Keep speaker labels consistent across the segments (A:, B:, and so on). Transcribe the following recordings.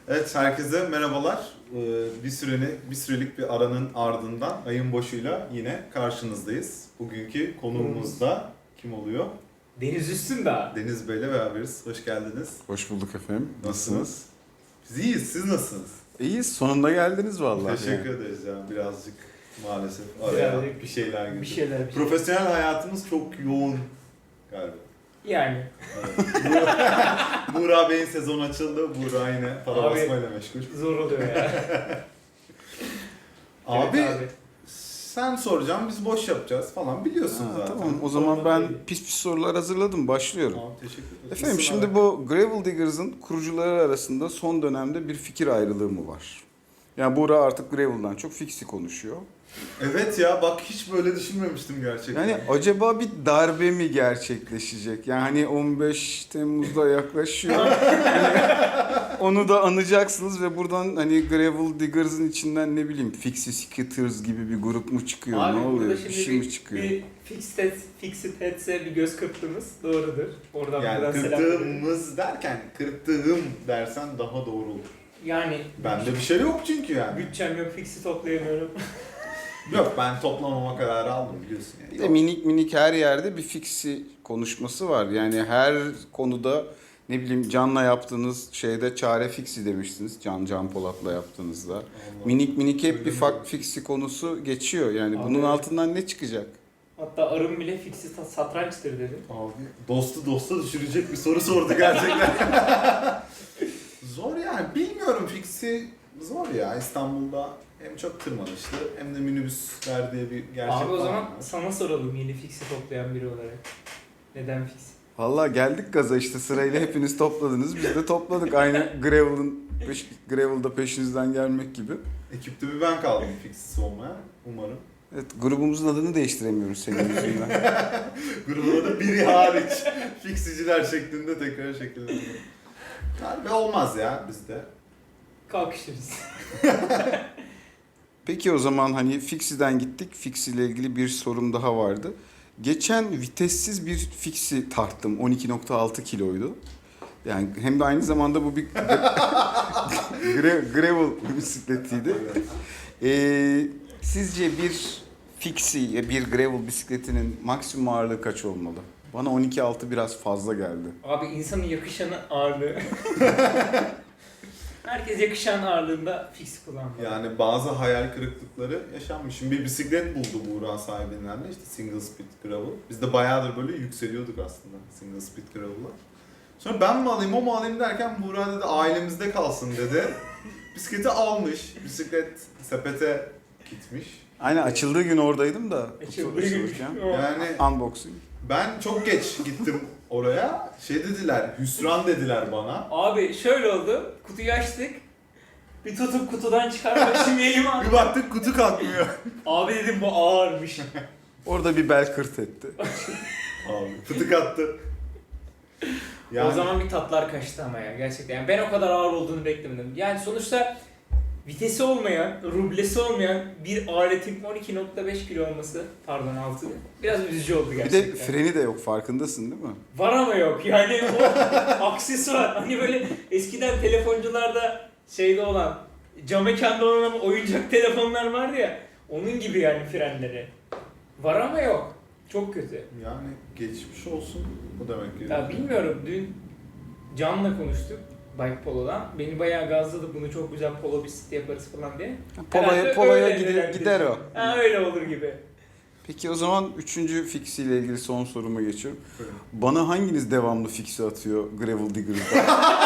A: Evet, herkese merhabalar. Bir sürelik bir aranın ardından ayın başıyla yine karşınızdayız. Bugünkü konuğumuz da kim oluyor?
B: Deniz Üstündağ.
A: Deniz Bey'le beraberiz. Hoş geldiniz.
C: Hoş bulduk efendim.
A: Nasılsınız? Biz iyiyiz. Siz nasılsınız?
C: İyiyiz. Sonunda geldiniz vallahi.
A: Teşekkür ederiz ya. Birazcık maalesef araya
B: Birazcık
A: bir şeyler girdi.
B: Bir şeyler.
A: Profesyonel hayatımız çok yoğun galiba.
B: Yani.
A: Evet. Buğra Bey'in sezonu açıldı. Buğra yine para
B: Abi,
A: basmayla meşgul.
B: Zor oluyor ya.
A: Abi,
B: Evet
A: sen soracağım, biz boş yapacağız falan biliyorsun zaten.
C: Tamam, o zaman ben
B: Değil.
C: pis sorular hazırladım. Başlıyorum.
A: Tamam, teşekkür ederim.
C: Efendim
A: İsim
C: şimdi
A: olarak-
C: bu Gravel Diggers'ın kurucuları arasında son dönemde bir fikir ayrılığı mı var? Yani Buğra artık Gravel'dan çok Fix'i konuşuyor.
A: Evet ya, bak hiç böyle düşünmemiştim gerçekten.
C: Yani acaba bir darbe mi gerçekleşecek? Yani hani 15 Temmuz'da yaklaşıyor. Hani onu da anacaksınız ve buradan hani Gravel Diggers'ın içinden ne bileyim Fixie Skitters gibi bir grup mu çıkıyor?
B: Abi
C: ne
B: burada
C: oluyor?
B: şimdi
C: Bir şey mi çıkıyor?
B: Bir Fixed Heads'e bir göz kırptığımız doğrudur. Oradan
A: yani
B: buradan selam verelim.
A: kırptığımız derken kırptığım dersen daha doğru olur.
B: Yani
A: Bende bir şey yok çünkü yani.
B: bütçem yok, Fix'i toplayamıyorum.
A: Yok, ben toplamama kararı aldım biliyorsun yani.
C: Bir de
A: Yok.
C: minik minik her yerde bir fiksi konuşması var. Yani her konuda ne bileyim Can'la yaptığınız şeyde çare fiksi demiştiniz. Can Polat'la yaptığınızda.
A: Allah.
C: Minik minik hep
A: Öyle
C: bir
A: mi?
C: fak fiksi konusu geçiyor. Yani
B: Abi
C: bunun
B: evet.
C: altından ne çıkacak?
B: Hatta arım bile Fix'i satrançtır dedi.
A: Abi, dostu dosta düşürecek bir soru sordu gerçekten. Zor yani, bilmiyorum, fiksi zor ya. İstanbul'da hem çok tırmanışlı hem de minibüsler diye bir gerçek
B: Abi o
A: var.
B: zaman sana soralım yeni Fix'i toplayan biri olarak. Neden Fix?
C: Vallahi geldik gaza işte sırayla hepiniz topladınız. Biz de topladık aynı Gravel'da peşinizden gelmek gibi.
A: Ekipte bir ben kaldım fiksiz olmaya umarım.
C: Evet, grubumuzun adını değiştiremiyoruz senin yüzünden.
A: Grubuna da biri hariç fiksiciler şeklinde tekrar şekilleniyor. Harbi olmaz ya bizde.
B: Kalkışırız.
C: Peki o zaman hani Fixi'den gittik. Fixi ile ilgili bir sorum daha vardı. Geçen vitessiz bir Fixi tarttım. 12.6 kiloydu. Yani hem de aynı zamanda bu bir gravel bisikletiydi. Sizce bir Fixi, bir gravel bisikletinin maksimum ağırlığı kaç olmalı? Bana 12.6 biraz fazla geldi.
B: Abi insanın yakışanı ağırlığı. Herkes yakışan ağırlığında Fix kullanmalı.
A: Yani bazı hayal kırıklıkları yaşanmış. Şimdi bir bisiklet buldu Buğra sahibinden de, işte single speed gravel. Biz de bayağıdır böyle yükseliyorduk aslında single speed gravel'la. Sonra ben mi alayım o mu alayım derken Buğra dedi ailemizde kalsın dedi. Bisikleti almış. Bisiklet sepete gitmiş.
C: Aynen açıldığı gün oradaydım da.
B: Açıldığı gün.
C: açılırken.
A: Yani
C: Unboxing.
A: ben çok geç gittim oraya. Şey dediler, hüsran dediler bana.
B: Abi şöyle oldu. Kutuyu açtık. Bir tutup kutudan çıkarmak şimdi elime aldım.
A: Bir baktık kutu kalkmıyor.
B: Abi dedim bu ağırmış.
C: Orada bir bel kırt etti.
A: Abi fıtık attı.
B: O zaman bir tatlar kaçtı ama ya gerçekten. Yani ben o kadar ağır olduğunu beklemedim. Yani sonuçta vitesi olmayan, rublesi olmayan bir aletin 12.5 kilo olması, pardon 6, biraz üzücü oldu
C: Bir
B: gerçekten.
C: de freni de yok farkındasın değil mi?
B: Var ama yok yani o aksesuar. Hani böyle eskiden telefoncularda şeyde olan, cam mekanda olan ama oyuncak telefonlar vardı ya. Onun gibi yani frenleri. Var ama yok. Çok kötü.
A: Yani geçmiş olsun bu demek ki.
B: Ya bilmiyorum, dün Can'la konuştuk Bike Polo'dan. Beni bayağı gazladı, bunu çok güzel polo bisikleti yaparız falan diye. Herhalde
C: Polo'ya
B: öyle
C: gider o.
B: Ha öyle olur gibi.
C: Peki o zaman 3. Fixi ile ilgili son soruma geçiyorum.
A: Buyurun.
C: Bana hanginiz devamlı Fixi atıyor Gravel Digger'da?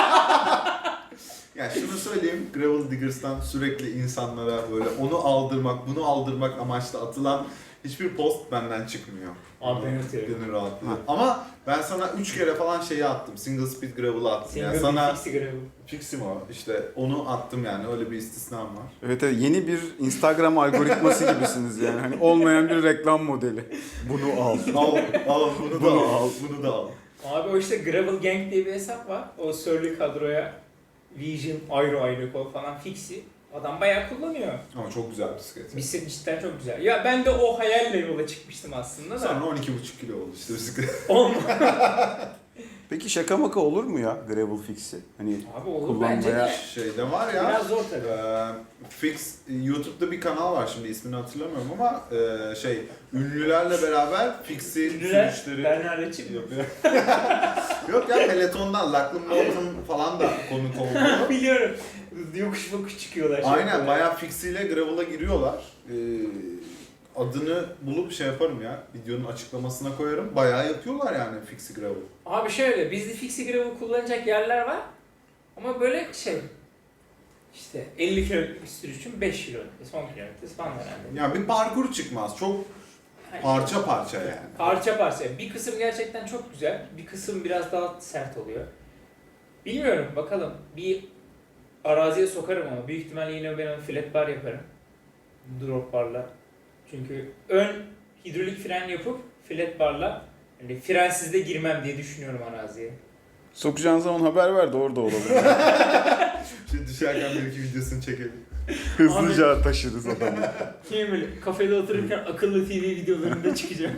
A: Yani şunu söyleyeyim, Gravel Diggers'tan sürekli insanlara böyle onu aldırmak, bunu aldırmak amaçlı atılan hiçbir post benden çıkmıyor.
B: Abi ben atıyorum.
A: Gönül rahatlığı. Ama ben sana 3 kere falan şeyi attım, single speed gravel'ı attım.
B: Single
A: Yani sana
B: Fixie Gravel.
A: fixim o, işte onu attım yani, öyle bir istisnam var.
C: Evet, yeni bir Instagram algoritması gibisiniz yani. Hani olmayan bir reklam modeli. Bunu al.
A: Al bunu da
C: Bunu
A: al,
C: al.
A: bunu da al.
B: Abi o işte Gravel Gang diye bir hesap var. O Surly kadroya Vision, Aero Kol falan Fixie. Adam bayağı kullanıyor.
A: Ama çok güzel bisiklet.
B: Bisiklet cidden çok güzel. Ya ben de o hayalle yola çıkmıştım aslında da.
A: Sonra 12,5 kilo oldu işte bisiklet.
B: Olma.
C: Peki şaka maka olur mu ya gravel fix'i? Hani
B: Abi olur
C: kullanmaya-
B: bence de.
A: Şeyde var ya.
B: Biraz zor tabii.
A: Fix YouTube'da bir kanal var, şimdi ismini hatırlamıyorum ama ünlülerle beraber Fix'i
B: Ünlüler,
A: sürüşleri
B: Bernard Açık mı?
A: yapıyor. Yok ya, Peloton'dan Lachlan Morton falan da konuk oldu.
B: Biliyorum. Yokuş yokuş çıkıyorlar.
A: Aynen, bayağı Fix'iyle gravel'a giriyorlar. Adını bulup şey yaparım ya, videonun açıklamasına koyarım. Bayağı yapıyorlar yani Fix'i gravel.
B: Abi şöyle, bizde Fixie Gravel kullanacak yerler var. Ama böyle işte 50 kilometre bir sürüşün 5 kilometre, son kilometresi falan herhalde.
A: Yani bir parkur çıkmaz, çok parça parça yani.
B: Parça parça. Bir kısım gerçekten çok güzel, bir kısım biraz daha sert oluyor. Bilmiyorum, bakalım. Bir araziye sokarım ama büyük ihtimalle yine ben onu flat bar yaparım. Drop barla. Çünkü ön hidrolik fren yapıp flat barla hani frensiz de girmem diye düşünüyorum araziye.
C: sokacağın zaman haber ver de orada olalım.
A: Şimdi düşerken bir iki videosunu çekelim.
C: Hızlıca taşırız adamı.
B: Kim böyle kafede otururken akıllı TV videolarında çıkacağım.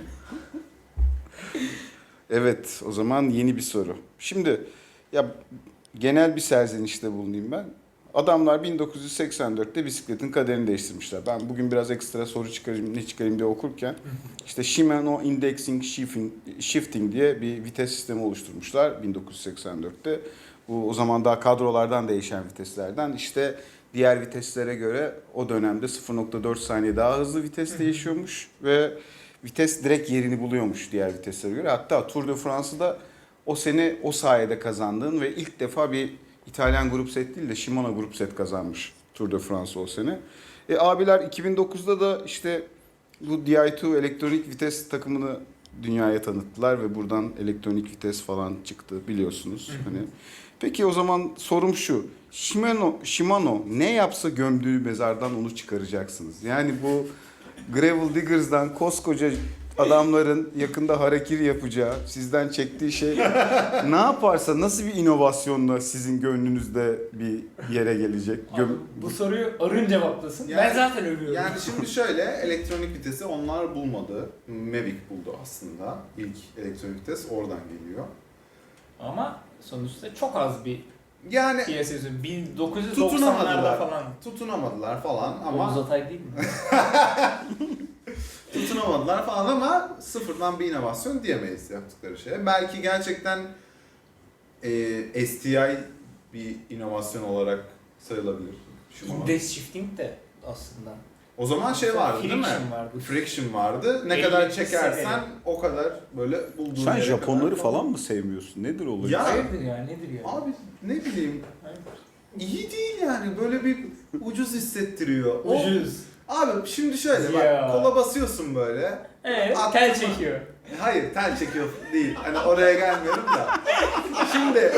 C: Evet, o zaman yeni bir soru. Şimdi ya genel bir serzenişte bulunayım ben. Adamlar 1984'te bisikletin kaderini değiştirmişler. Ben bugün biraz ekstra soru çıkarayım, ne çıkarayım diye okurken işte Shimano Indexing Shifting diye bir vites sistemi oluşturmuşlar 1984'te. Bu o zaman daha kadrolardan değişen viteslerden işte diğer viteslere göre o dönemde 0.4 saniye daha hızlı vites değişiyormuş ve vites direkt yerini buluyormuş diğer viteslere göre. Hatta Tour de France'ı da o sene o sayede kazandığın ve ilk defa bir İtalyan grup set değil de Shimano grup set kazanmış Tour de France o sene. Abiler 2009'da da işte bu Di2 elektronik vites takımını dünyaya tanıttılar ve buradan elektronik vites falan çıktı biliyorsunuz. Hani peki o zaman sorum şu. Shimano ne yapsa gömdüğü mezardan onu çıkaracaksınız. Yani bu Gravel Diggers'dan koskoca adamların yakında harakiri yapacağı, sizden çektiği şey ne yaparsa, nasıl bir inovasyonla sizin gönlünüzde bir yere gelecek?
B: Abi, bu soruyu Arın cevaplasın.
A: Yani-
B: Ben zaten övüyorum.
A: Yani şimdi şöyle, elektronik vitesi onlar bulmadı. Mavic buldu aslında. İlk elektronik vites oradan geliyor.
B: Ama sonuçta çok az bir
A: Yani
B: piyasası. 1990'larda
A: tutunamadılar.
B: falan.
A: Tutunamadılar falan ama
B: Oğuz Atay değil mi?
A: tutunamadılar falan ama sıfırdan bir inovasyon diyemeyiz yaptıkları şeye. Belki gerçekten STI bir inovasyon olarak sayılabilir. Shimano.
B: Index shifting de aslında.
A: O zaman şey vardı değil mi?
B: Friction vardı.
A: Friction vardı. Ne
B: 50
A: kadar çekersen
B: sene.
A: o kadar böyle bulduğun
C: Sen
A: yere
C: Japonları
A: kadar
C: falan mı sevmiyorsun? Nedir olayı?
A: Ya-
B: Hayırdır ya, nedir ya?
A: Abi ne bileyim,
B: Hayırdır?
A: iyi değil yani, böyle bir ucuz hissettiriyor.
B: Ucuz.
A: Abi şimdi şöyle bak,
B: Ya.
A: kola basıyorsun böyle.
B: Evet,
A: Aklıma-
B: tel çekiyor.
A: Hayır, tel çekiyor değil. Hani oraya gelmiyorum da. Şimdi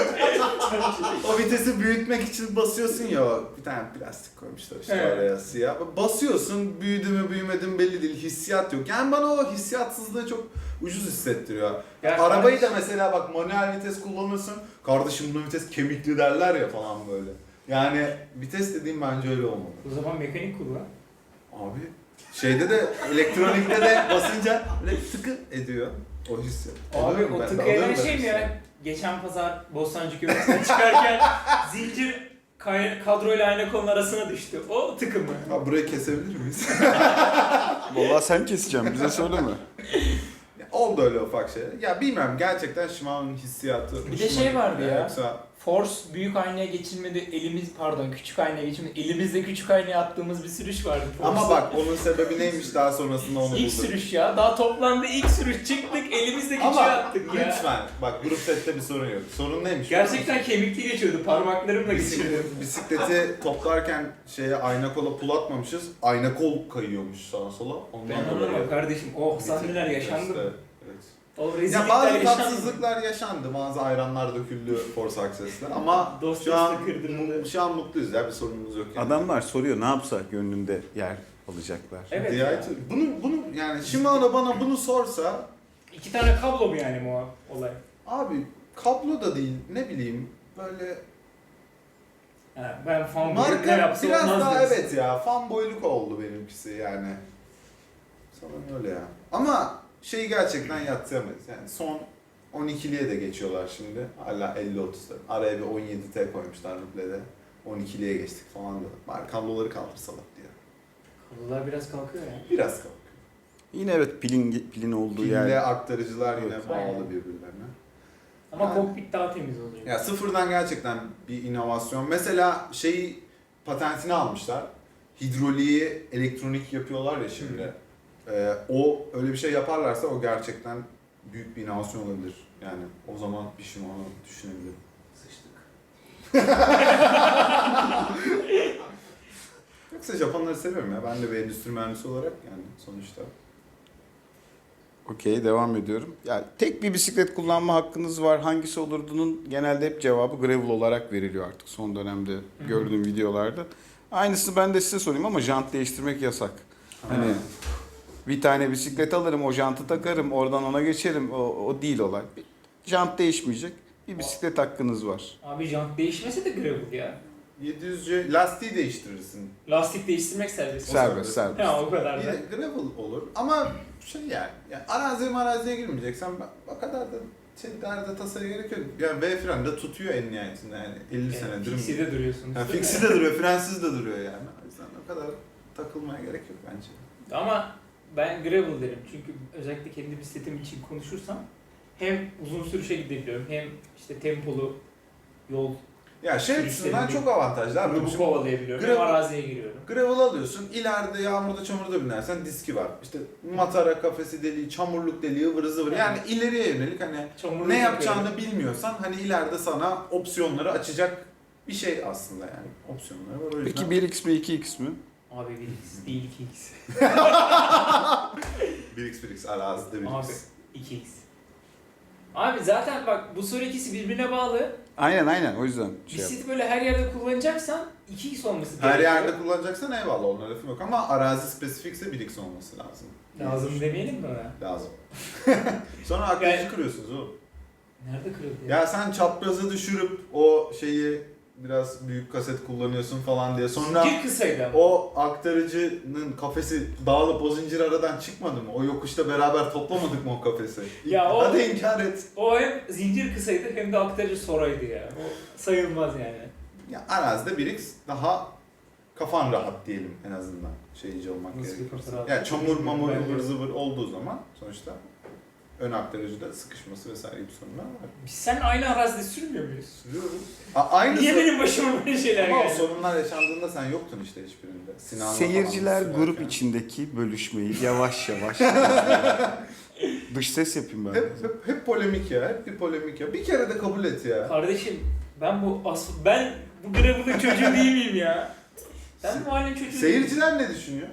A: o vitesi büyütmek için basıyorsun ya, bir tane plastik koymuşlar işte
B: Evet.
A: oraya siyah. Basıyorsun, büyüdü mü büyümedi mi belli değil, hissiyat yok. Yani bana o hissiyatsızlığı çok ucuz hissettiriyor.
B: Ya
A: Arabayı da
B: kardeşim-
A: mesela bak, manuel vites kullanırsın. Kardeşim bunun vites kemikli derler ya falan böyle. Yani vites dediğim bence öyle olmalı.
B: O zaman mekanik kullan.
A: Abi şeyde de, elektronikte de basınca böyle tıkı ediyor o hissiyat.
B: Abi
A: Alıyorum
B: o
A: ben de,
B: tıkayan
A: alıyorum ben
B: şey mi
A: hissiyatı.
B: ya? Geçen pazar Bostancı Köprüsü'ne çıkarken zincir kadroyla aynı kolun arasına düştü. O tıkı mı?
A: Abi burayı kesebilir miyiz?
C: Vallahi sen keseceğim, bize söyleme.
A: Ya, oldu öyle ufak şeyler. Ya bilmem, gerçekten Shimano'nun hissiyatı.
B: Bir de şey vardı ya.
A: Yoksa
B: Force büyük aynaya geçilmedi, küçük aynaya geçilmedi. Elimizde küçük aynaya attığımız bir sürüş vardı.
A: ama
B: Force'da.
A: bak, onun sebebi neymiş, daha sonrasında onu
B: İlk
A: bulduk.
B: sürüş ya. Daha toplamda ilk sürüş çıktık, elimizde küçüğü
A: Ama
B: attık ya.
A: lütfen bak, grup sette bir sorun yok. Sorun neymiş?
B: Gerçekten kemikli geçiyordu, parmaklarımla geçirdim.
A: Bisikleti toplarken şeye, ayna kola pul atmamışız. Ayna kol kayıyormuş sağa sola. Ondan
B: Ben
A: dolayı.
B: anlamam kardeşim, o
A: Bitik.
B: sahneler yaşandı mı?
A: İşte, evet.
B: O
A: Ya
B: rezillikler
A: bazı
B: yaşandı mı?
A: tatsızlıklar yaşandı, bazı ayranlar döküldü Force Access'le ama
B: Dost
A: şu an
B: dostu kırdırıldı.
A: şu an mutluyuz ya, bir sorunumuz yok yani.
C: Adamlar soruyor ne yapsa gönlünde yer alacaklar.
B: Evet
A: Di2
B: ya.
A: bunu yani Shimano bana bunu sorsa,
B: 2 tane kablo mu yani bu olay?
A: abi kablo da değil, ne bileyim böyle
B: Ha, ben fan ne
A: marka
B: yapsa
A: biraz
B: olmaz
A: daha,
B: diyorsun.
A: evet ya, fanboyluk oldu benimkisi yani. Sanırım öyle ya. Ama şeyi gerçekten yadsıyamayız yani, son 12'liye de geçiyorlar şimdi. Hala 50-30'da. Araya bir 17T koymuşlar rublede. 12'liye geçtik falan diyorlar. Bari kabloları kaldırsalar diye.
B: Kablolar biraz kalkıyor ya.
A: Biraz kalkıyor.
C: Yine evet pilin olduğu
A: Pille
C: yer.
A: aktarıcılar yine
C: Evet.
A: bağlı birbirlerine.
B: Ama
A: Yani-
B: kokpit daha temiz olacak.
A: Ya sıfırdan gerçekten bir inovasyon. Mesela patentini almışlar. Hidroliği elektronik yapıyorlar ya şimdi. O öyle bir şey yaparlarsa o gerçekten büyük bir inovasyon olabilir. Yani o zaman bir şey onu düşünebilirim.
B: Sıçtık.
A: Yoksa Japonları seviyorum ya. Ben de bir endüstri mühendisi olarak yani sonuçta.
C: Okey, devam ediyorum. Ya tek bir bisiklet kullanma hakkınız var. Hangisi olurdunun genelde hep cevabı gravel olarak veriliyor artık son dönemde gördüğüm videolarda. Aynısını ben de size sorayım ama jant değiştirmek yasak. Hani bir tane bisiklet alırım, o jantı takarım, oradan ona geçerim. O değil olay. Jant değişmeyecek. Bir bisiklet hakkınız var.
B: Abi jant değişmese de gravel ya.
A: 700C lastiği değiştirirsin.
B: Lastik değiştirmek serbest.
C: Serbest.
B: Ha o kadar da.
A: Yine gravel olur ama yani araziye girmeyeceksen o kadar da derde tasaya gerek yok. Yani V fren de tutuyor en nihayetinde yani 50 senedir.
B: Fixi'de duruyorsunuz.
A: Yani fixi de duruyor, frensiz de duruyor yani. O yüzden o kadar takılmaya gerek yok bence.
B: Ama ben gravel derim çünkü özellikle kendi bisikletim için konuşursam hem uzun sürüşe gidebiliyorum hem işte tempolu yol
A: Ya açısından çok avantajlı abi.
B: grubu
A: Şimdi
B: kovalayabiliyorum
A: Gravel-
B: hem araziye giriyorum.
A: gravel alıyorsun, ileride yağmurda çamurda binersen diski var. İşte matara kafesi deliği, çamurluk deliği, ıvır zıvır. Yani ileriye yönelik hani
B: Çamurlu
A: ne
B: takıyorum.
A: yapacağını bilmiyorsan hani ileride sana opsiyonları açacak bir şey aslında yani. Opsiyonları var o yüzden.
C: Peki 1x mi 2x mi?
B: Abi 1x değil 2x.
A: 1x arazide 1x.
B: Abi 2x. Abi zaten bak bu soru ikisi birbirine bağlı.
C: Aynen o yüzden
B: Bisikleti böyle her yerde kullanacaksan 2x olması
A: Her
B: gerekiyor.
A: yerde kullanacaksan eyvallah ona lafım yok ama arazi spesifikse 1x olması lazım.
B: Lazım demeyelim mi ona?
A: Lazım. Sonra aklınızı kırıyorsunuz oğlum.
B: Nerede kırıldı ya?
A: Ya sen çaprazı düşürüp o biraz büyük kaset kullanıyorsun falan diye. Sonra
B: Zincir kısaydı ama.
A: o aktarıcının kafesi dağılıp o zincir aradan çıkmadı mı? O yokuşta beraber toplamadık mı o kafesi?
B: Ya o-
A: Hadi inkar et.
B: O hem zincir kısaydı hem de aktarıcı soraydı ya. O sayılmaz yani.
A: Ya arazide 1x daha kafan rahat diyelim en azından şeyci olmak
B: Nasıl bir
A: gerekirse.
B: kafa rahat?
A: Ya çamur mamur
B: Ben de-
A: ıvır zıvır olduğu zaman sonuçta ön aktarıcıda sıkışması vesaire gibi sorunlar var.
B: Biz sen aynı arazide sürmüyor muyuz?
A: Sürüyoruz. Aynısı.
B: Niye benim başıma böyle şeyler
A: Ama o
B: geldi?
A: sorunlar yaşandığında sen yoktun işte hiçbirinde. Sinan'la
C: Seyirciler
A: falan
C: grup
A: sürerken.
C: içindeki bölüşmeyi yavaş yavaş dış ses yapayım ben.
A: Hep polemik ya, hep bir polemik ya. Bir kere de kabul et ya.
B: Kardeşim ben bu gravel'ın çocuğu değil miyim ya? Ben bu mahallenin çocuğu değilim.
A: Seyirciler ne düşünüyor?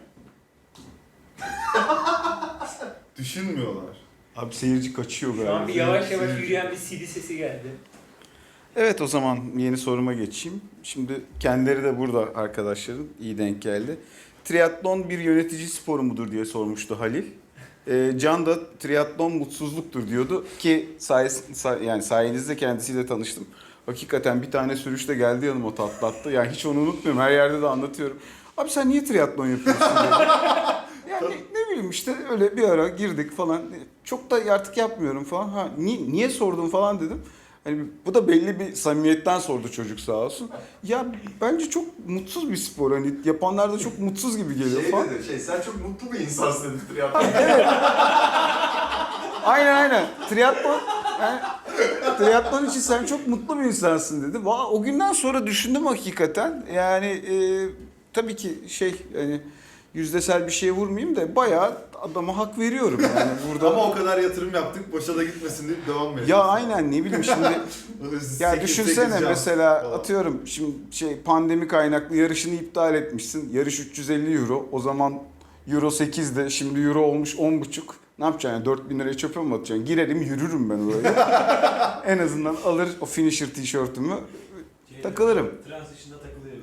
A: Düşünmüyorlar.
C: Abi seyirci kaçıyor
B: Şu an
C: galiba.
B: bir yavaş yavaş
A: Seyirci.
B: yürüyen bir CD sesi geldi.
C: Evet, o zaman yeni soruma geçeyim. Şimdi kendileri de burada arkadaşların, iyi denk geldi. Triatlon bir yönetici sporu mudur diye sormuştu Halil. Can da triatlon mutsuzluktur diyordu ki yani sayenizde kendisiyle tanıştım. Hakikaten bir tane sürüşte geldi yanıma tatlattı. Yani hiç onu unutmuyorum. Her yerde de anlatıyorum. Abi sen niye triatlon yapıyorsun dedi. Yani ne bileyim işte öyle bir ara girdik falan. Çok da artık yapmıyorum falan. Ha, niye sordun falan dedim. Hani bu da belli bir samimiyetten sordu çocuk sağ olsun. Ya bence çok mutsuz bir spor. Hani yapanlar da çok mutsuz gibi geliyor falan.
A: sen çok mutlu bir insansın dedi triatlon.
C: Aynen. Triatlon için sen çok mutlu bir insansın dedi. O günden sonra düşündüm hakikaten. Yani tabii ki hani yüzdesel bir şeye vurmayayım da bayağı adama hak veriyorum yani burada.
A: Ama o kadar yatırım yaptık, boşa da gitmesin deyip devam ediyoruz.
C: Ya aynen ne bileyim şimdi. Ya düşünsene mesela atıyorum şimdi pandemi kaynaklı yarışını iptal etmişsin. Yarış 350 euro. O zaman euro 8'de şimdi euro olmuş 10,5. Ne yapacaksın yani 4.000 liraya çöpe mi atacaksın? Girerim yürürüm ben oraya. En azından alır o finisher tişörtümü takılırım.
D: Transition'da takılıyorum.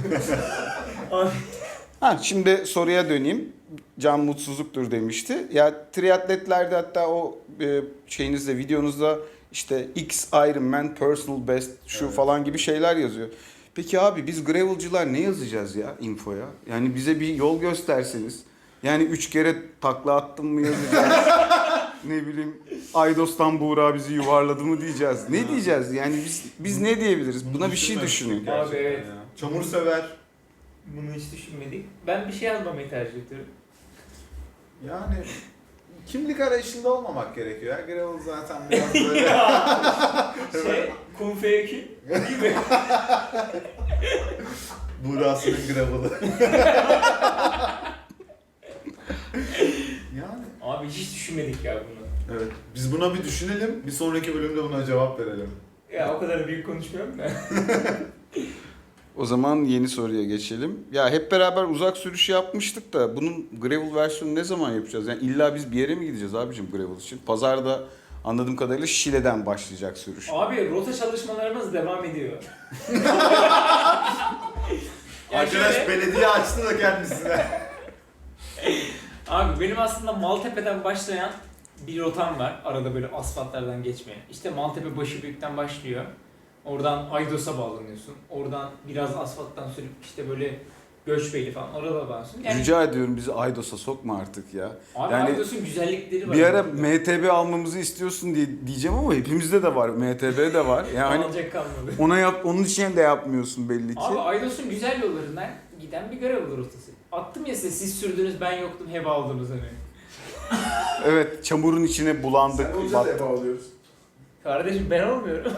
C: Şimdi soruya döneyim. Can mutsuzluktur demişti. Ya triatletlerde hatta o şeyinizde videonuzda işte X Ironman personal best şu
A: Evet.
C: falan gibi şeyler yazıyor. Peki abi biz gravelcılar ne yazacağız ya infoya? Yani bize bir yol gösterseniz. Yani 3 kere takla attım mı yazacağız? ne bileyim Aydos'tan Buğra bizi yuvarladı mı diyeceğiz. Ne diyeceğiz? Yani biz ne diyebiliriz? Buna bir şey düşünün.
B: Abi evet.
A: Ya. Çamur sever.
B: Bunu hiç düşünmedik. Ben bir şey yazmamayı tercih ediyorum.
A: Yani kimlik arayışında olmamak gerekiyor. Ya. Gravel zaten biraz böyle...
B: Kung Feyeki gibi.
A: Burasının gravel'ı. Yani.
B: Abi hiç düşünmedik ya bunu.
A: Evet. Biz buna bir düşünelim. Bir sonraki bölümde buna cevap verelim.
B: Ya o kadar büyük konuşmuyorum da.
C: O zaman yeni soruya geçelim. Ya hep beraber uzak sürüş yapmıştık da bunun gravel versiyonu ne zaman yapacağız? Yani illa biz bir yere mi gideceğiz abicim gravel için? Pazarda anladığım kadarıyla Şile'den başlayacak sürüş.
B: Abi rota çalışmalarımız devam ediyor.
A: Arkadaş
B: şöyle-
A: belediye açtı da kendisine.
B: Abi benim aslında Maltepe'den başlayan bir rotam var. Arada böyle asfaltlardan geçmeye. İşte Maltepe Başıbüyük'ten başlıyor. Oradan Aydos'a bağlanıyorsun. Oradan biraz asfalttan sürüp işte böyle Göçbeyli falan orada bağlanıyorsun. Yani
C: Rica ediyorum bizi Aydos'a sokma artık ya.
B: abi
C: yani
B: Aydos'un güzellikleri var.
C: Bir ara MTB almamızı istiyorsun diye diyeceğim ama hepimizde de var. MTB de var. Yani
B: alacak kalmadı.
C: onun için de yapmıyorsun belli ki.
B: Abi Aydos'un güzel yollarından giden bir gravel rotası. Attım ya siz sürdünüz ben yoktum heba aldınız hani.
C: Evet, çamurun içine bulandık. battık.
A: alıyoruz.
B: Kardeşim ben olmuyorum.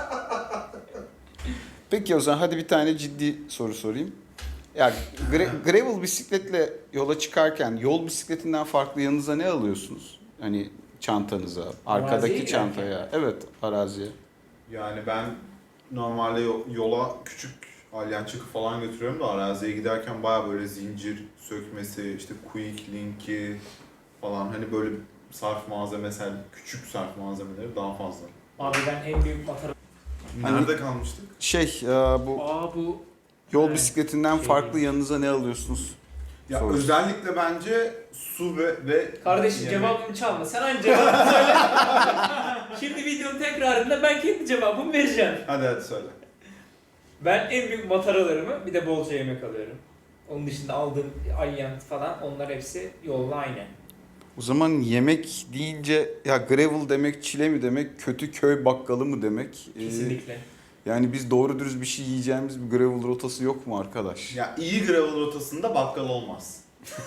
C: Peki o zaman hadi bir tane ciddi soru sorayım. Ya gravel bisikletle yola çıkarken yol bisikletinden farklı yanınıza ne alıyorsunuz? Hani çantanıza, arkadaki
B: Araziye
C: çantaya. Evet, araziye.
A: Yani ben normalde yola küçük alyançıkı falan götürüyorum da araziye giderken baya böyle zincir sökmesi, işte quick link'i falan hani böyle sarf malzemesel, küçük sarf malzemeleri daha fazla.
B: Abi ben en büyük matara...
A: Nerede kalmıştık?
C: Bu
B: Bu
C: yol
B: Evet.
C: bisikletinden
B: Şey
C: farklı
B: değil.
C: yanınıza ne alıyorsunuz?
A: Ya
C: Sorusu.
A: özellikle bence su ve
B: kardeşim
A: yemek.
B: cevabımı çalma. Sen aynı cevabını söyle. Şimdi videonun tekrarında ben kendi cevabımı vereceğim.
A: Hadi söyle.
B: Ben en büyük mataralarımı bir de bolca yemek alıyorum. Onun dışında aldığım alyant falan onlar hepsi yolla aynı.
C: O zaman yemek deyince ya gravel demek çile mi demek, kötü köy bakkalı mı demek?
B: Kesinlikle.
C: Yani biz doğru dürüst bir şey yiyeceğimiz bir gravel rotası yok mu arkadaş?
A: Ya iyi gravel rotasında bakkal olmaz.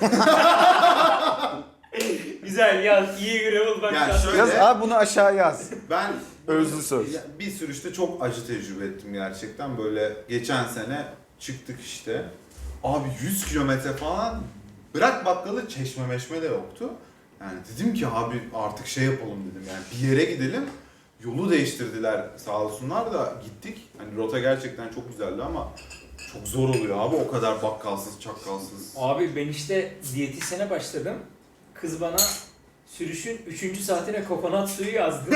B: Güzel yaz. İyi gravel bak.
A: Yani
B: yaz.
A: şöyle-
C: Yaz abi bunu aşağı yaz.
A: Ben
C: Özlü söz.
A: bir sürüşte çok acı tecrübe ettim gerçekten. Böyle geçen sene çıktık işte. Abi 100 kilometre falan bırak bakkalı çeşme meşme de yoktu. Yani dedim ki abi artık şey yapalım dedim yani bir yere gidelim. Yolu değiştirdiler sağ olsunlar da gittik. Hani rota gerçekten çok güzeldi ama çok zor oluyor abi o kadar bakkalsız çakkalsız.
B: Abi ben işte diyetisyene başladım. Kız bana sürüşün 3. saatine kokonat suyu yazdı.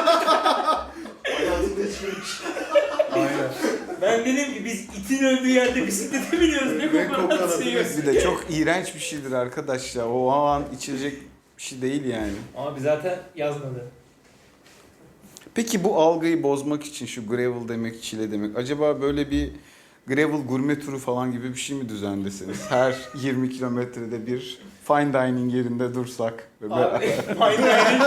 A: Aynen.
B: Ben dedim ki biz itin öldüğü yerde bisiklete biniyoruz ne
A: Ve
B: kokonat
A: kokonatı
B: suyu.
A: biz-
C: Bir de çok iğrenç bir şeydir arkadaş ya. O an içecek bir şey değil yani.
B: Abi zaten yazmadı.
C: Peki bu algıyı bozmak için şu gravel demek, çile demek. Acaba böyle bir gravel gurme turu falan gibi bir şey mi düzenleseniz? Her 20 kilometrede bir fine dining yerinde dursak.
B: Abi fine dining.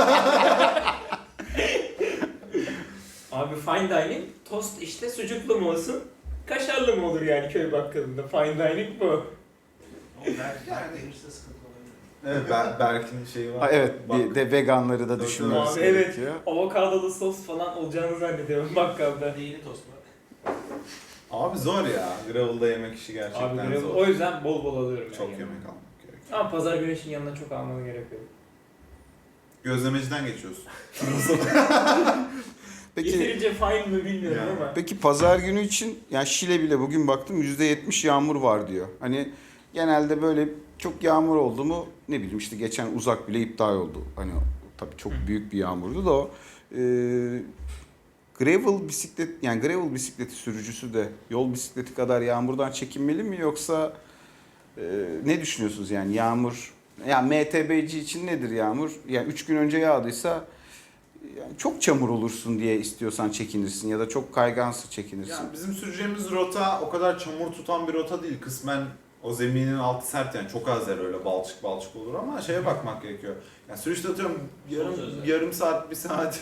B: Abi fine dining tost işte sucuklu mu olsun? Kaşarlı mı olur yani köy bakkalında? Fine dining bu.
A: Evet Berk'in şeyi var.
C: Ha, evet
A: Bak-
C: bir de veganları da
A: Tabii,
C: düşünmemiz
B: tabii. Evet.
C: gerekiyor.
B: Avokadolu sos falan olacağını zannediyorum bakkalda.
D: Neyini tost var?
A: Abi zor ya. Gravel'da yemek işi gerçekten
B: Abi gravel,
A: zor.
B: o yüzden bol bol alıyorum.
A: Çok
B: yani.
A: yemek almak gerekiyor.
B: Ama pazar güneşin yanına çok almanı gerek yok.
A: Gözlemeciden geçiyorsun.
C: Peki
B: Yeterince fine mi bilmiyorum
A: Yani.
B: ama.
C: Peki pazar günü için yani Şile bile bugün baktım %70 yağmur var diyor. Hani genelde böyle çok yağmur oldu mu ne bileyim işte geçen uzak bile iptal oldu. Hani tabii çok büyük bir yağmurdu da o. Gravel bisiklet yani gravel bisikleti sürücüsü de yol bisikleti kadar yağmurdan çekinmeli mi yoksa ne düşünüyorsunuz yani yağmur yani MTB'ci için nedir yağmur? Yani 3 gün önce yağdıysa yani çok çamur olursun diye istiyorsan çekinirsin ya da çok kaygansa çekinirsin.
A: Yani bizim süreceğimiz rota o kadar çamur tutan bir rota değil. Kısmen O zeminin altı sert yani çok az yer öyle balçık olur ama şeye bakmak gerekiyor. Yani sürüşte atıyorum yarım saat, bir saat.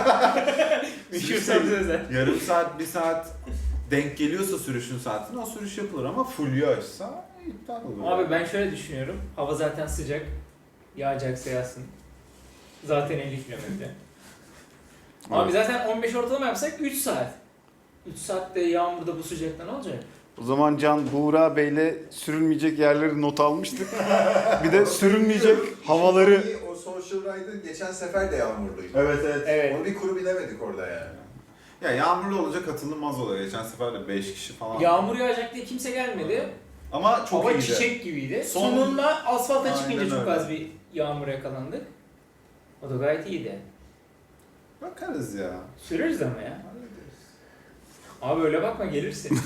A: Yarım saat, bir saat denk geliyorsa sürüşün saatine o sürüş yapılır ama full yağışsa iptal olur.
B: Abi ben şöyle düşünüyorum. Hava zaten sıcak. Yağacaksa yağsın. Zaten 50 kilometre. Abi zaten 15 ortalama yapsak 3 saat. 3 saatte yağmurda bu sıcakta ne olacak?
C: O zaman Can Buğra Bey'le sürülmeyecek yerleri not almıştık. Bir de sürülmeyecek havaları.
D: O Social Ride'ı geçen sefer de yağmurluydu.
B: Evet.
D: Onu bir kuru bilemedik orada yani.
A: Ya yağmurlu olunca katılınmaz oluyor. Geçen sefer de 5 kişi falan.
B: Yağmur yağacak diye kimse gelmedi.
A: Ama çok
B: Hava
A: iyiydi.
B: çiçek gibiydi.
A: Son-
B: Sonunda asfalta
A: Aynen
B: çıkınca çok
A: öyle.
B: az bir yağmura yakalandık. O da gayet iyiydi.
A: Bakarız ya.
B: Süreriz ama ya.
A: Hallederiz.
B: Abi öyle bakma gelirsin.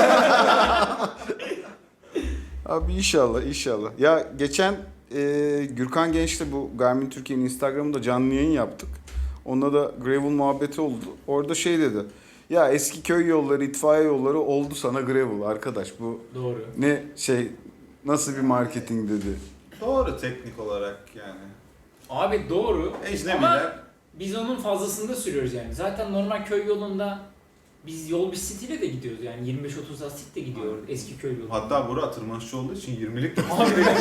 C: Abi inşallah. Ya geçen Gürkan Genç'le bu Garmin Türkiye'nin Instagram'ında canlı yayın yaptık. Onunla da gravel muhabbeti oldu. Orada şey dedi. Ya eski köy yolları, itfaiye yolları oldu sana gravel arkadaş. Bu
B: Doğru.
C: ne şey nasıl bir marketing dedi.
A: Doğru teknik olarak yani.
B: Abi doğru. Ama
A: Ecnebiler.
B: biz onun fazlasını da sürüyoruz yani. Zaten normal köy yolunda biz yol bisikletiyle de gidiyoruz yani 25-30 lastik de gidiyor eski köy yolu.
A: Hatta Burak tırmanışçı olduğu için 20'lik de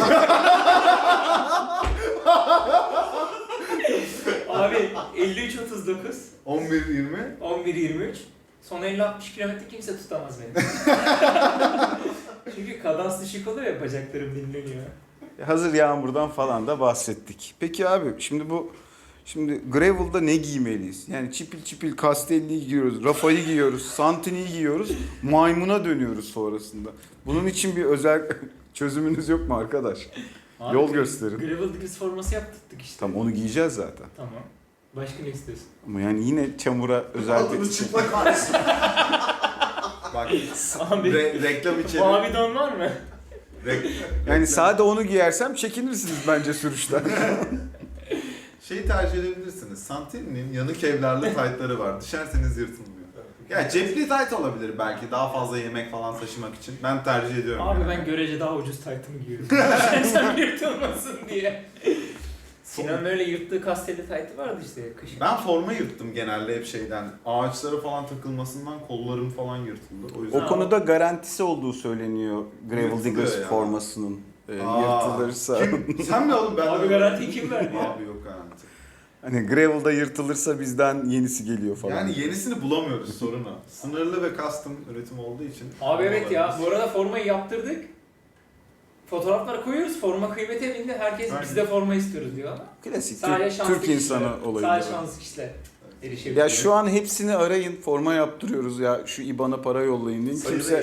B: Abi 53-39,
A: 11-20.
B: 11-23. Son 50-60 kilometre kimse tutamaz beni. Çünkü kadans düşük oluyor ya bacaklarım dinleniyor.
C: Hazır yağmurdan falan da bahsettik. Peki abi şimdi gravel'da ne giymeliyiz? Yani çipil Castelli'yi giyiyoruz, Rafa'yı giyiyoruz, Santini'yi giyiyoruz, maymuna dönüyoruz sonrasında. Bunun için bir özel çözümünüz yok mu arkadaş?
B: Abi,
C: Yol gösterin.
B: Gravel Diggers forması yaptırdık işte.
C: Tamam onu giyeceğiz zaten.
B: Tamam. Başka ne istiyorsun?
C: Ama yani yine çamura özel
D: Altını
C: bir...
D: çıplak kalsın.
A: Bak
B: Abi
A: reklam içeri.
B: mavi don var mı?
C: Yani sade onu giyersem çekinirsiniz bence sürüşten.
A: Şeyi tercih edebilirsiniz. Santini'nin yanık evlerli taytları var. Düşerseniz yırtılmıyor. Ya cepli tayt olabilir belki daha fazla yemek falan taşımak için. Ben tercih ediyorum.
B: Abi
A: yani.
B: ben görece daha ucuz taytımı giyiyorum. Sen yırtılmasın diye. Sinan öyle yırttığı kastelli taytı vardı işte kışın.
A: Ben forma yırttım genelde hep şeyden. Ağaçlara falan takılmasından kollarım falan yırtıldı. O yüzden
C: O konuda garantisi olduğu söyleniyor Gravel
A: Yırtılıyor
C: Diggers
A: ya.
C: formasının.
A: Aa,
C: Yırtılırsa.
A: Sen mi oğlum ben?
B: Abi garanti kim verdi ya?
A: Abi yok garanti.
C: Hani gravel'da yırtılırsa bizden yenisi geliyor falan.
A: Yani yenisini bulamıyoruz sorun o. Sınırlı ve custom üretim olduğu için.
B: Abi evet ya
A: bulamıyoruz.
B: bu arada formayı yaptırdık. Fotoğrafları koyuyoruz. Forma kıymete bindi. Herkes
A: Aynen.
B: biz de forma istiyoruz diyor ama.
C: Klasik
B: Sadece şanslı
C: Türk insanı
B: kişiler.
C: olayı.
B: Sadece
C: bu.
B: şanslı kişiler erişebiliyor.
C: Ya şu an hepsini arayın, forma yaptırıyoruz ya şu IBAN'a para yollayın deyin.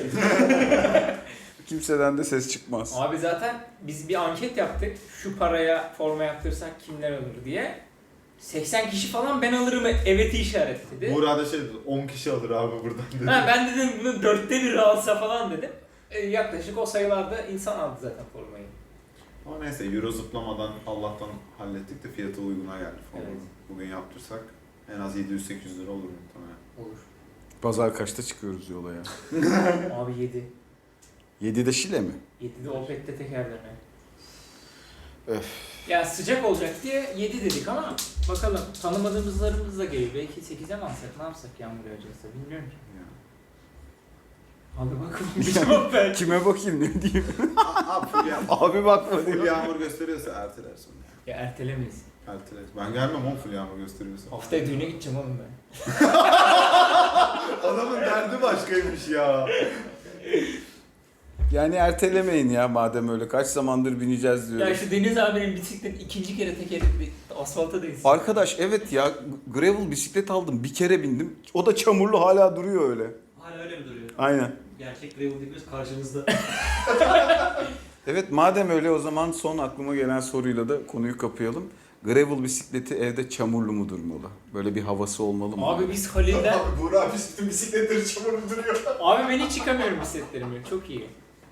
C: Kimseden de ses çıkmaz.
B: Abi zaten biz bir anket yaptık. Şu paraya forma yaptırsak kimler alır diye. 80 kişi falan ben alırım evet'i işaretledi.
A: Buğra'da şey dedi, 10 kişi alır abi buradan dedi.
B: Ha, ben dedim bunu 1/4 alsa falan dedim. Yaklaşık o sayılarda insan aldı zaten formayı.
A: Ama neyse euro zıplamadan Allah'tan hallettik de fiyatı uyguna geldi falan.
B: Evet.
A: Bugün yaptırsak en az 700-800 lira olur muhtemelen.
B: Olur.
C: Pazar kaçta çıkıyoruz yola ya?
B: Abi 7.
C: 7'de Şile mi?
B: 7'de Opet'te tekerleme.
C: Öf.
B: Ya sıcak olacak diye 7 dedik ama bakalım tanımadığımızlarımız da geliyor. Belki 8'e mi alsak, ne yapsak yağmur yağacaksa bilmiyorum ki.
A: Ya.
B: Abi bakalım bir cevap ver.
C: Kime bakayım ne diyeyim?
A: Abi full yağmur,
C: Abi bakma
A: full
C: diyor.
A: yağmur gösteriyorsa erteler sonra.
B: Ya ertelemeyiz.
A: Erteler. Ben gelmem oğlum full yağmur gösteriyorsa.
B: Haftaya düğüne gideceğim oğlum ben.
A: Adamın derdi başkaymış ya.
C: Yani ertelemeyin ya madem öyle kaç zamandır bineceğiz diyor.
B: Ya şu Deniz abinin bisiklet ikinci kere tekeri asfalta değsin.
C: Arkadaş evet ya gravel bisiklet aldım bir kere bindim. O da çamurlu hala duruyor öyle.
E: Hala öyle mi duruyor?
C: Aynen.
E: Gerçek Gravel Diggers karşınızda.
C: Evet madem öyle o zaman son aklıma gelen soruyla da konuyu kapayalım. Gravel bisikleti evde çamurlu mu durmalı? Böyle bir havası olmalı mı?
B: Abi biz Halil'den...
D: Abi Buğra biz bütün bisikletleri çamurlu duruyor.
B: Abi ben hiç yıkamıyorum bisikletlerimi. Çok iyi.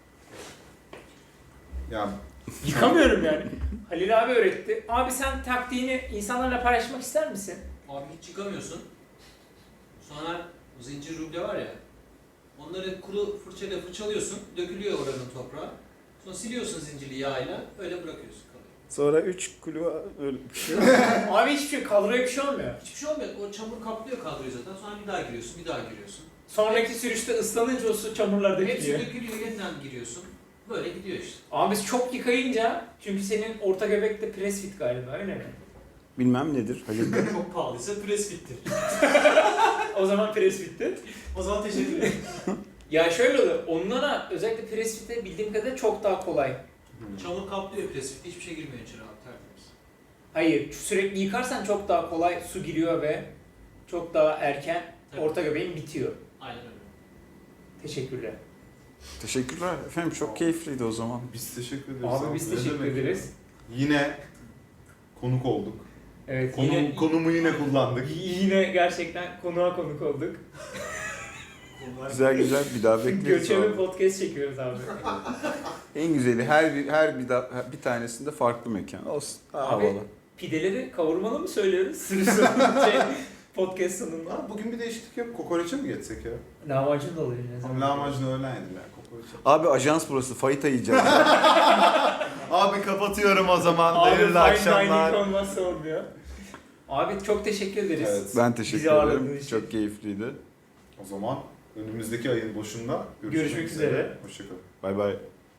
A: Ya
B: Yıkamıyorum yani. Halil abi öğretti. Abi sen taktiğini insanlarla paylaşmak ister misin?
E: Abi hiç çıkamıyorsun. Sonra zincir ruble var ya. Onları kuru fırçayla fırçalıyorsun. Dökülüyor oranın toprağı. Sonra siliyorsun zincirli yağıyla öyle bırakıyorsun kalıyor.
C: Sonra 3 kilo öyle bir şey.
B: Abi hiçbir şey, kadroya bir şey olmuyor.
E: Hiçbir şey olmuyor. O çamur kaplıyor kadroyu zaten. Sonra bir daha giriyorsun, bir daha giriyorsun.
B: Sonraki sürüşte ıslanınca o su çamurlar
E: Hepsi
B: dökülüyor.
E: dökülüyor, yeniden giriyorsun. Böyle gidiyor işte.
B: Ama biz çok yıkayınca, çünkü senin orta göbekte press fit galiba, öyle mi?
C: Bilmem nedir. Halil Bey.
E: Çok pahalıysa press fittir.
B: O zaman press fit'ti.
E: O zaman teşekkür ederim.
B: Ya şöyle olur, onlara özellikle press fit'e bildiğim kadarıyla çok daha kolay.
E: Çamur kaplıyor press fit. Hiçbir şey girmiyor içeri abi tertemiz.
B: Hayır, sürekli yıkarsan çok daha kolay su giriyor ve çok daha erken
E: Tabii.
B: orta göbeğin bitiyor.
E: Aynen öyle.
B: Teşekkürler.
C: Teşekkürler efendim, çok keyifliydi o zaman.
A: Biz teşekkür ederiz.
B: Abi biz
A: Ne
B: teşekkür
A: demek?
B: ederiz.
A: Yine konuk olduk.
B: Evet, yine,
A: Konumu yine kullandık.
B: yine gerçekten konuğa konuk olduk.
C: Güzel güzel, bir daha bekleriz.
B: Göçebe
C: abi.
B: podcast çekiyoruz abi.
C: En güzeli bir tanesinde farklı mekan olsun. Daha
B: Abi,
C: havalı.
B: pideleri kavurmalı mı söylüyoruz? Sürü podcast sonunda.
A: Ha, bugün bir değişiklik yok. Kokoreçe mi geçsek ya?
B: Lahmacun da oluyor ne zaman?
A: Lahmacun öğlen yediler kokoreçe.
C: Abi ajans burası, fayita yiyeceğiz.
A: Abi kapatıyorum o zaman.
B: Abi
A: Hayırlı
B: fine
A: akşamlar.
B: dining olmazsa olmuyor. Abi çok teşekkür ederiz.
A: Evet.
C: Ben teşekkür
B: Bizi ağırladığınız
C: ederim.
B: için.
C: Çok keyifliydi.
A: O zaman önümüzdeki ayın başında
B: Görüşmek üzere.
A: Hoşçakalın.
C: Bay bay.